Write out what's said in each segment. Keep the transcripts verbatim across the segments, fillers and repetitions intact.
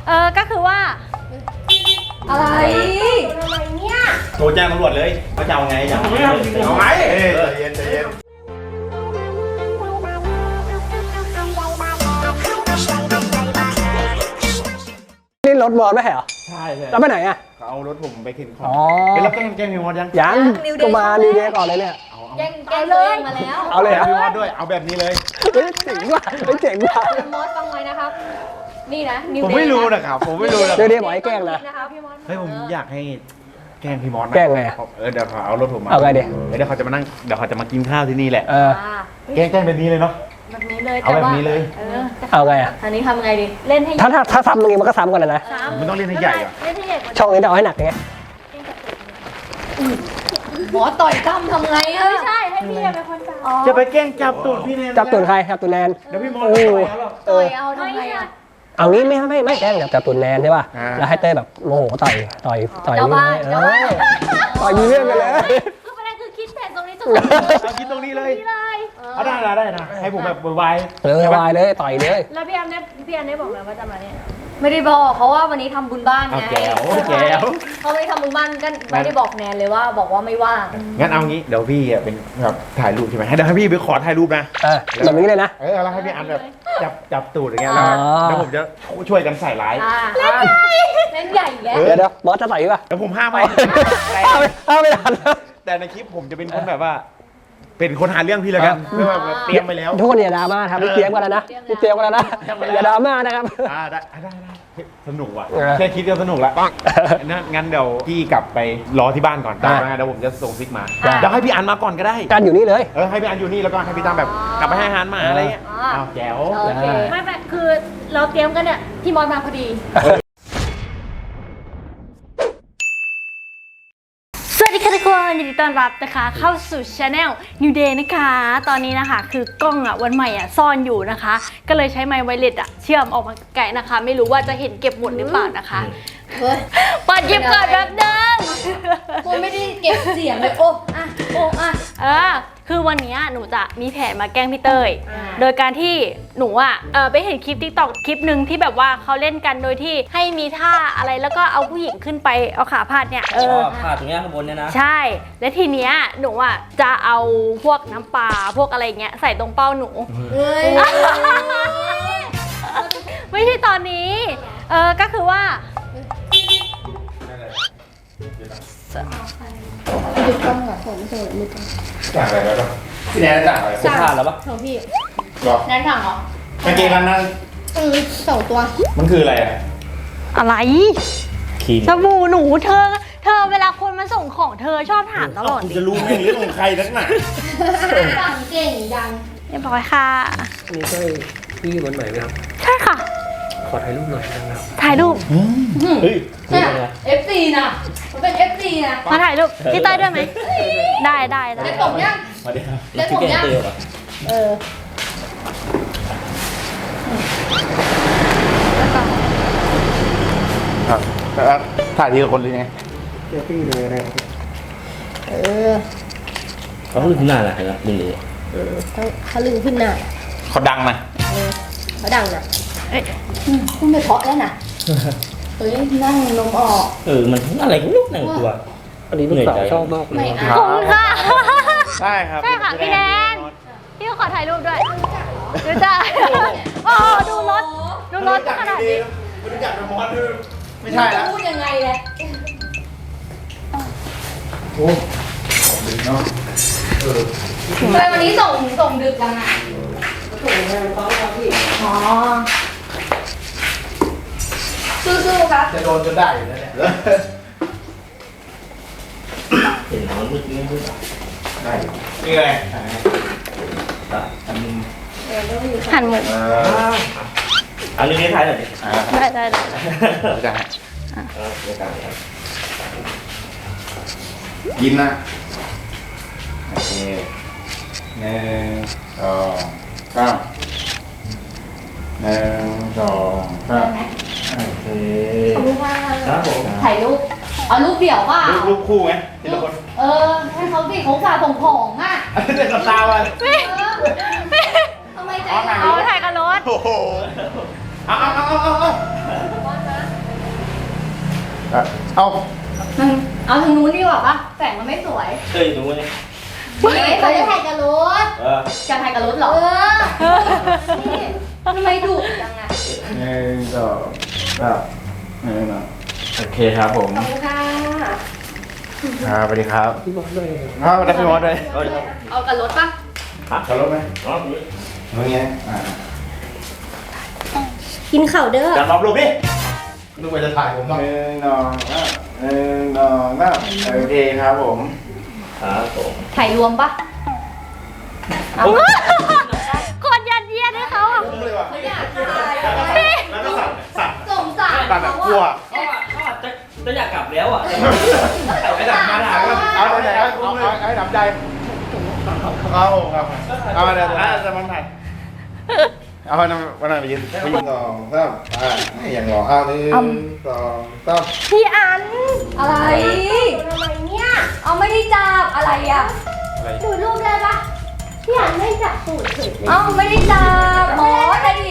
เออก็คือว่าอะไรทำไมเนี่ยโทรแจ้งตำรวจเลยเขาจะเอาไงจะเอาไงเอาไงเอ้ยใจเย็นใจเย็นนี่รถบอลไม่ใช่เหรอใช่ใช่แล้วไปไหนอ่ะเขาเอารถผมไปเข็นของอ๋อเป็นรับแจ้งแจ้งพี่มอสยังยังก็มานิวเดย์ก่อนเลยเนี่ยแกงแกงเลยมาแล้วเอาเลยเหรอพี่มอสด้วยเอาแบบนี้เลยเฮ้ยเจ๋งว่ะเฮ้ยเจ๋งว่ะมอสฟังไว้นะครับนี่นะผมไม่รู้นะครับผมไม่รู้นะนิวเดย์บอกให้แกล้งนะเฮ้ยผมอยากให้แกล้งพี่มอสแกล้งไงเออเดี๋ยวเขาเอารถผมมาเอาไงดิเดี๋ยวเขาจะมานั่งเดี๋ยวเขาจะมากินข้าวที่นี่แหละเออแกล้งแกล้งแบบนี้เลยเนาะแบบนี้เลยเอาแบบนี้เลยเอาไงอ่ะอันนี้ทำไงดีเล่นให้ถ้าถ้าถ้าซ้ำตรงนี้มันก็ซ้ำกันเลยนะมันต้องเล่นให้ใหญ่อะเล่นให้ใหญ่กว่าช่องนี้จะเอาให้หนักไงหมอต่อยตั้มทำไงอ่ะไม่ใช่ให้พี่เป็นคนจับจะไปแกล้งจับตูดพี่แนนจับตูดใครจับตูดแนนเดี๋ยวพี่มอสเออเอาทำไงอ่ะเอางี้ไม่ไม่ไม่แกล้งจับตูดแนนใช่ป่ะแล้วให้เต้แบบโมโหต่อยต่อยต่อยนี่เออต่อยมีเรื่องกันเลยคือประเด็นคือคิดแผนตรงนี้สุดเอาคิดตรงนี้เลยเอาได้ได้ได้นะให้ผมแบบวายเออวายเลยต่อยเลยแล้วพี่แอมเนี่ยพี่แอมได้บอกแล้วว่าจะมาเนี่ยไม่ได้บอกเพราะว่าวันนี้ทำบุญบ้านไงแก้วแก้วเขาไม่ได้ทำบุญบ้านกันไม่ได้บอกแนนเลยว่าบอกว่าไม่ว่างงั้นเอางี้เดี๋ยวพี่เป็นแบบถ่ายรูปใช่ไหมให้เดี๋ยวให้พี่ไปขอถ่ายรูปนะเออแบบนี้เลยนะเออแล้วให้พี่อันแบบจับจับตูดอย่างเงี้ยแล้วแล้วผมจะช่วยกันใส่ร้ายเล่นใหญ่เล่นใหญ่แล้วเดี๋ยวเดี๋ยวบอสจะใส่ป่ะเดี๋ยวผมห้ามไม่ห้ามไม่ห้ามไม่ทันแล้วแต่ในคลิปผมจะเป็นคนแบบว่าเป็นคนหาเรื่องพี่แล้วกันเพื่อแบบเตรียมไปแล้วทุกคนอย่าดราม่าครับพี่เตรียมกันแล้วนะพี่เตรียมกันแล้วนะอย่าดราม่านะครับอ่าได้ได้ได้สนุกว่ะแค่คิดก็สนุกละงั้นงั้นเดี๋ยวพี่กลับไปรอที่บ้านก่อนได้เดี๋ยวผมจะส่งซิกมาเดี๋ยวให้พี่อันมาก่อนก็ได้กันอยู่นี่เลยเออให้พี่อันอยู่นี่แล้วก็ให้พี่ตั้มแบบกลับไปให้อาหารหมาอะไรเงี้ยอ้าวแจ๋วไม่ไม่คือเราเตรียมกันเนี่ยพี่มอสมาพอดีสวัสดีค่ะทุกคนยินดีต้อนรับนะคะเข้าสู่ช anel New Day นะคะตอนนี้นะคะคือกล้องอ่ะวันใหม่อ่ะซ่อนอยู่นะคะก็เลยใช้ไมค์ไวเลสอ่ะเชื่อมออกมาไกลนะคะไม่รู้ว่าจะเห็นเก็บหมดหรือเปล่านะคะเปิดหยิบก่อนแบบนึงคุณไม่ได้เก็บเสียงเลยโอ้อะโอ้อะเออคือวันนี้หนูจะมีแผนมาแกล้งพี่เต้ยโดยการที่หนูอ่ะเออไปเห็นคลิปติ๊กต็อกคลิปหนึ่งที่แบบว่าเขาเล่นกันโดยที่ให้มีท่าอะไรแล้วก็เอาผู้หญิงขึ้นไปเอาขาพาดเนี่ยเออพาดตรงนี้ข้างบนเนี่ยนะใช่และทีเนี้ยหนูอ่ะจะเอาพวกน้ำปลาพวกอะไรเงี้ยใส่ตรงเป้าหนูไม่ใช่ตอนนี้เออก็คือว่าหยุดกล้องก่อนผมไม่เคยหยุดกล้องจ่ายอะไรแล้วพี่แนนจ่ายอะไรจะพาดแล้วปะของพี่หรอแนนถังเหรอเมื่อกี้นั้นนั่นอืมสองตัวมันคืออะไรอ่ะอะไรสบู่หนูเธอเธอเวลาคนมาส่งของเธอชอบถามตลอดคุณจะรู้ไหมเรื่องของใครนักหนาดังเก่งดังเรียบร้อยค่ะนี่ใช่พี่วันใหม่ไหมครับใช่ค่ะขอถ่ายรูปหน่อยนะครับถ่ายรูปเฮ้ยเนี่ย เอฟ ซี นะมันเป็น เอฟ ซี นะมาถ่ายรูปพี่เต้ยด้วยไหมได้ได้ได้ได้ผมยังสวัสดีครับได้ผมยังเออครับถ่ายทีละคนเลยไงเดี๋ยวพี่เลยนะเออเขาขึ้นหน้าอะไรนะมึงเลยเออเขาลึงขึ้นหน้าเขาดังนะเออเขาดังนะเอ้ยคุณไม่เพาะแล้วนะเฮ้ยนั่งนมออกเออมันอะไรก็ลูกหนึ่งตัวอันนี้ลูกสาวชอบมากเลยขอบคุณค่ะใช่ครับใช่ค่ะพี่แนนพี่ขอถ่ายรูปด้วยดูจ้าโอ้ดูรถดูรถขนาดนี้ไม่รู้จักเป็นมอสไม่ใช่แล้วพูดยังไงเลยโอ้ดึกเนาะทำไมวันนี้ส่งส่งดึกจังอ่ะส่งงานเขาครับพี่อ๋อสู้ๆครับจะโดนจนได้อยู่แล้วเนี่ยเห็นมันมืดมืดได้นี่ไงอันนึงหันหมดอันนี้ถ่ายหน่อยดิได้ได้ได้จะยิ้มนะโอเคหนึ่งสองสามหนึ่งสองสามโอเคขอบคุณมากครับผมถ่ายรูปเอารูปเดี่ยวป่ะรูปคู่ไหมทีละคนเออให้เขาสิเขาฝ่าผงผงอ่ะเด็กกับตาวันทำไมใจเอาถ่ายกับรถโอ้โหเอาเอาเอาเอาเอาอ่ะเอาเอาทางนู้นดีกว่าปะแสงมันไม่สวยเคยดูไหมเฮ้ยเขาจะถ่ายกับรถเออจะถ่ายกับรถเหรอ เออ นี่ทำไมดุจังอะหนึ่งสองสามหนึ่งสองโอเคครับผมขอบคุณค่ะครับสวัสดีครับพี่บอสด้วยครับสวัสดีพี่มอสด้วยเอาดิเอากับรถปะฮะขับรถไหมอ๋อนี่ตรงนี้อ่ากินข่าวเด้อจับรอบรูปดิลูกไปจะถ่ายผมต้องหนึ่งสองสามหนึ่งสองสามโอเคครับผมครับผมถ่ายรวมปะเอากดยัดเยียดให้เขาอ่ะคุ้มเลยว่ะเขาอยากถ่ายแล้วก็สั่นสั่นสงสารสั่นแบบกลัวเขาอ่ะเขาอาจจะจะอยากกลับแล้วอ่ะไอ้ดับมาด่าก็เอาเอาไหนเอาเอาเอาให้ทำใจเอาครับเอาเดี๋ยวเอาจะมันถ่ายเอาวันนั้นวันนั้นไปยืนไปยืนสองสามอ่าไม่อย่างหรอเอาหนึ่งสองสามพี่อัน อะไรทำไมเนี่ย เอาไม่ได้จับอะไรอ่ะอะไรดูรูปได้ปะพี่อันไม่จับตูดเฉยเลยเอ้าไม่ได้จับหมอจะดิ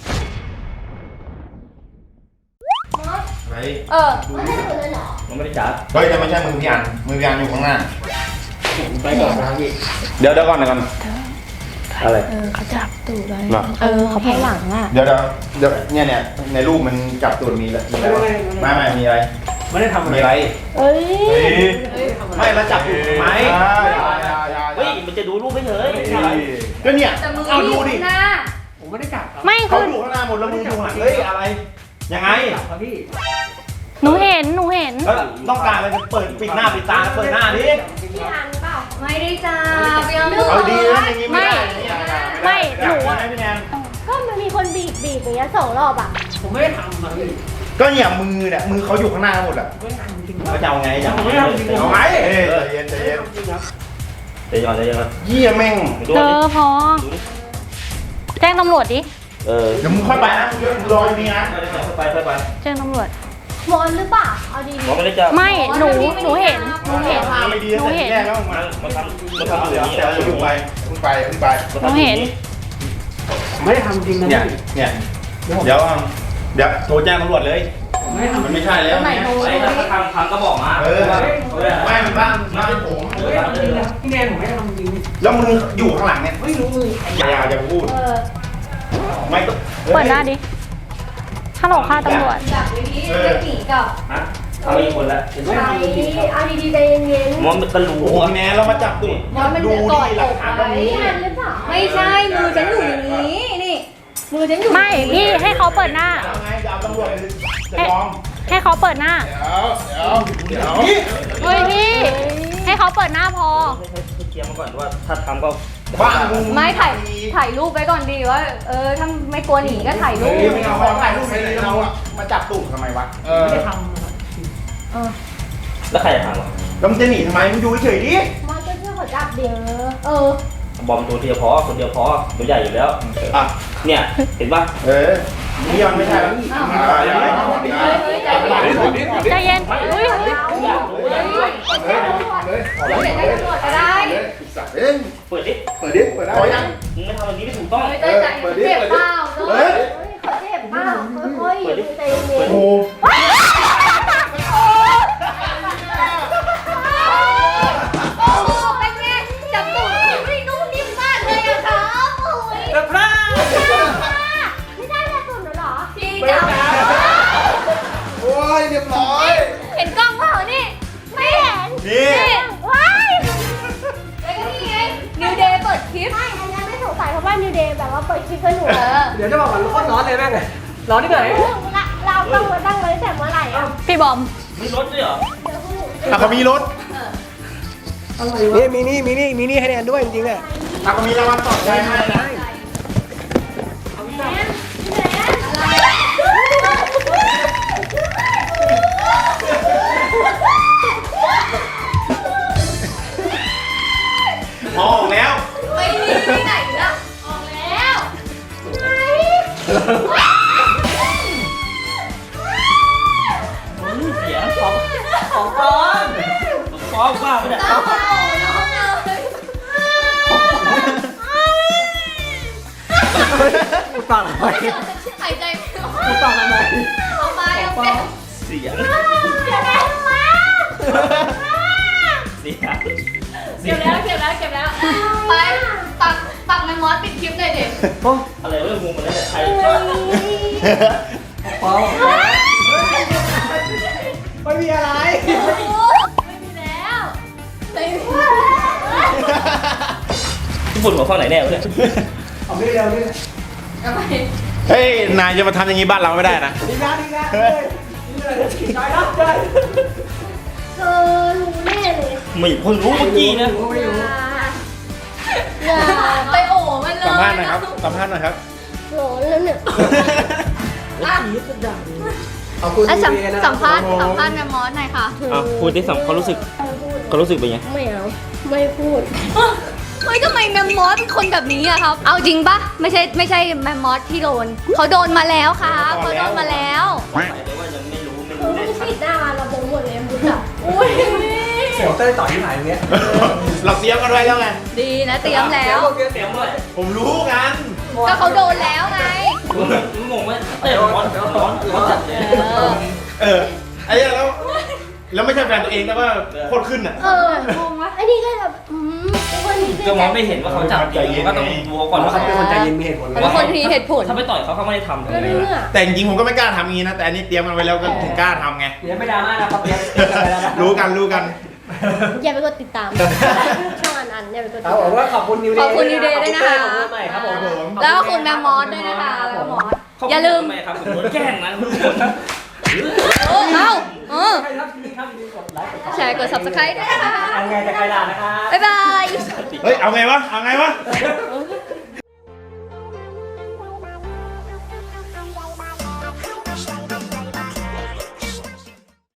อะไรเออไม่ได้ตูดเลยเหรอมันไม่ได้จับเฮ้ยแต่ไม่ใช่มือพี่อันมือพี่อันอยู่ข้างหน้าไปก่อนนะครับพี่เดี๋ยวเดี๋ยวก่อนเดี๋ยวก่อนอะไรเออเขาจับตูดเลยเหรอเออเขาแพ้หลังอ่ะเดี๋ยวเดี๋ยวเดี๋ยวเนี่ยเนี่ยในรูปมันจับตัวมีแล้วมีอะไรวะไม่ไม่มีอะไรไม่ได้ทำอะไรมีอะไรเอ้ยไม่มาจับอยู่ทำไมอ่าอย่าอย่าอย่าเฮ้ยมันจะดูรูปไม่เฉยก็เนี่ยแต่มือเอาดูดิหน้าผมไม่ได้จับครับไม่เขาคืออยู่ข้างหน้าหมดแล้วมึงอยู่ข้างหลังเฮ้ยอะไรยังไงจับครับพี่หนูเห็นหนูเห็นแล้วต้องการอะไรจะเปิดปิดหน้าปิดตาเปิดหน้าดิพี่อันเปล่าไม่ได้จับยังเอาดีนะอย่างงี้ไม่ได้ไม่หนูอะไม่พี่แนนก็มันมีคนบีบบีบอย่างเงี้ยสองรอบอ่ะผมไม่ได้ทำนะพี่ก็เนี่ยมือเนี่ยมือเขาอยู่ข้างหน้าหมดอ่ะไม่ได้ทำจริงเขาจะเอาไงจะผมไม่ได้ทำจริงเอาไหมเอ้ยใจเย็นใจเย็นจริงครับเดี๋ยวก่อนเดี๋ยวก่อนเยี่ยแม่งดูเจดิอพอ แจ้งตำรวจดิเออเดี๋ยวมึงค่อยไปนะรออยู่นี่นะไปไปไปแจ้งตำรวจมอนหรือเปล่า เอาดีมันไม่ได้จับไม่ หนู หนูเห็น หนูเห็นพาไม่ดีหนูแต่เห็นแรกแล้วมามันทำมันทำเดี๋ยวอย่างนี้เดี๋ยวอยู่ไปมึงไปมึงไปหนูเห็นผมไม่ได้ทำจริงนะเนี่ยพี่เนี่ยเดี๋ยวเดี๋ยวโทรแจ้งตำรวจเลยผมไม่ได้ทำมันไม่ใช่แล้วไหนโทรไอ้ถ้าทำทำก็บอกมาเออไม่มันบ้านบ้านผมผมไม่ได้ทำจริงนะพี่แนนผมไม่ได้ทำจริงแล้วมึงอยู่ข้างหลังเนี่ยไม่รู้มืออย่าอย่าพูดเออไม่ต้องเปิดหน้าดิฮัลโหลค่ะตำรวจจับไว้ดิจะหนีกับฮะเอาอีกคนละๆเอาดีๆเอาดีๆใจเย็นมันมันตะลูโอ้โหแม่เรามาจับตูดมันมันดูจะกอดดิหลักฐานตรงๆนี้พี่อันหรือเปล่าไม่ใช่มือฉันอยู่อย่างนี้ นี่ มือฉันอยู่ไม่ พี่ให้เขาเปิดหน้าเอาไงจะเอาตำรวจเลยจะยอมให้เขาเปิดหน้าเดี๋ยวเดี๋ยวเดี๋ยวเฮ้ยพี่ ให้เขาเปิดหน้าพอเคลียร์มาก่อนว่าถ้าทำก็บ้านมึงไม่ถ่ายถ่ายรูปไว้ก่อนดีว่า เออถ้าไม่กลัวหนีก็ถ่ายรูปเฮ้ยมึงเอาของถ่ายรูปไปเลยเราอะมาจับตูดทำไมวะเออไม่ได้ทำนะครับแล้วใครจะทำอ่ะแล้วมึงจะหนีทำไมมึงอยู่เฉยๆดิมอนก็เชื่อเขาจับเดี๋ยวเออบอมตัวเดียวพอคนเดียวพอตัวใหญ่อยู่แล้วอ่ะเนี่ยเห็นป่ะเออนี่มันไม่ใช่แล้วอ้าวอ่าอย่าไปเฮ้ยเฮ้ยใจเย็นใจเย็นอุ้ยอยากรู้อยากรู้เดี๋ยวได้ตำรวจก็ได้เอ้ยเปิดดิเปิดดิเปิดได้ยังมึงไม่ทำแบบนี้ไม่ถูกต้องเฮ้ยใจเจ็บเปล่าเฮ้ยเฮ้ยเขาเจ็บเปล่าค่อยๆอย่าเพิ่งใจเย็นโอ้โหโอ้โหเป็นไงจับตูดไม่นุ่มนิ่มมากเลยอะครับโอ้ยกระพร่าไม่ได้แค่ตุ่นเหรอพี่จับโอ้ยเรียบร้อยเห็นกล้องเปล่านี่ไม่เห็นนี่นี่ว้ายแล้วก็นี่ไงนิวเดย์เปิดคลิปไม่อันนั้นไม่สงสัยเพราะว่านิวเดย์แบบว่าเปิดคลิปให้หนูเออเดี๋ยวจะบอกว่าโคตรร้อนเลยแม่งเลยร้อนที่ไหนเราต้องมาตั้งไว้แต่เมื่อไหร่อ่ะพี่บอมมีรถด้วยเหรออ่ะเขามีรถนี่มีนี่มีนี่มีนี่ให้แนนด้วยจริงๆอ่ะอ่ะเขามีรางวัลปลอบใจให้นะออกแล้วไม่มีที่ไหนละออกแล้วเสียงของของปลอมของปลอมบ้าไปเนี่ยต้องเอาน้องเลยพูดปากทำไมหายใจไม่ออกพูดปากทำไมเอาไปเอาไปเสียงสี่ครั้งเก็บแล้วเก็บแล้วเก็บแล้วไปปักปักแมมมอสปิดคลิปเลยเด็กอะไรเรื่องงูมันแล้วแต่ใครเปล่าไม่มีอะไรไม่มีแล้วญี่ปุ่นหัวข้อไหนแน่วะเนี่ยเอาไม่เร็วนี่เฮ้ยนายจะมาทำอย่างนี้บ้านเราไม่ได้นะดีนะดีนะเฮ้ยนี่อะไรจอยรับจอยเธอรู้แน่เลยไม่เพิ่งรู้เมื่อกี้นะอย่าไปโอ้มันเลยสัมภาษณ์หน่อยครับสัมภาษณ์หน่อยครับโหแล้วเนี่ยขอบคุณอ่ะสัมดีนะสัมภาษณ์สัมภาษณ์แมมมอสหน่อยค่ะอ่ะพูดที่สัมเขารู้สึกเขารู้สึกเป็นไงไม่เอาไม่พูดเฮ้ยทำไมแมมมอสเป็นคนแบบนี้อะครับ เอาจริงปะไม่ใช่ไม่ใช่แมมมอสที่โดนเขาโดนมาแล้วครับเขาโดนมาแล้วหมายถึงว่ายังไม่รู้ไม่คือรู้ได้ไม่ชัดปิดหน้าเราโปรโมทเลยมุดอ่ะอุ้ยเสียวเต้ยต่อยที่ไหนอย่างเงี้ยเราเตรียมกันไว้แล้วไงดีนะเตรียมแล้วเสียงด้วยผมรู้กันก็เขาโดนแล้วไงมึงงงไหมเต้นร้อนร้อนร้อนจัดเลยเออเออไอ้เนี่ยแล้วแล้วไม่ใช่แฟนตัวเองนะว่าโคตรขึ้นอ่ะเอองงวะไอ้นี่ก็แบบอืมไอ้คนนี้ก็มองไม่เห็นว่าเขาจับจริงก็ต้องดูเขาก่อนว่าเขาเขาเป็นคนใจเย็นมีเหตุผลเป็นคนมีเหตุผลถ้าไปต่อยเขาเขาไม่ได้ทำก็เรื่องอ่ะแต่จริงๆผมก็ไม่กล้าทำงี้นะแต่อันนี้เตรียมกันไว้แล้วก็ถึงกล้าทำไงเดี๋ยวไม่ดราม่านะครับเดี๋ยวรู้กันรู้กันอย่าไปกดติดตามช่องอันอันอย่าไปกดติดครับตามผมว่าขอบคุณนิวเดย์ขอบคุณนิวเดย์ด้วยนะคะขอบคุณใหม่ครับผมแล้วก็คุณแมมมอสด้วยนะคะแมมมอสอย่าลืมทำไมครับผมโดนแกล้งนะทุกคนเออเอาเออใครครับที่นี่ครับกดไลค์กดแชร์กด ซับสไครบ์ ด้วยนะคะยังไงจะใครล่ะนะครับบ๊ายบายเฮ้ยเอาไงวะเอาไงวะไ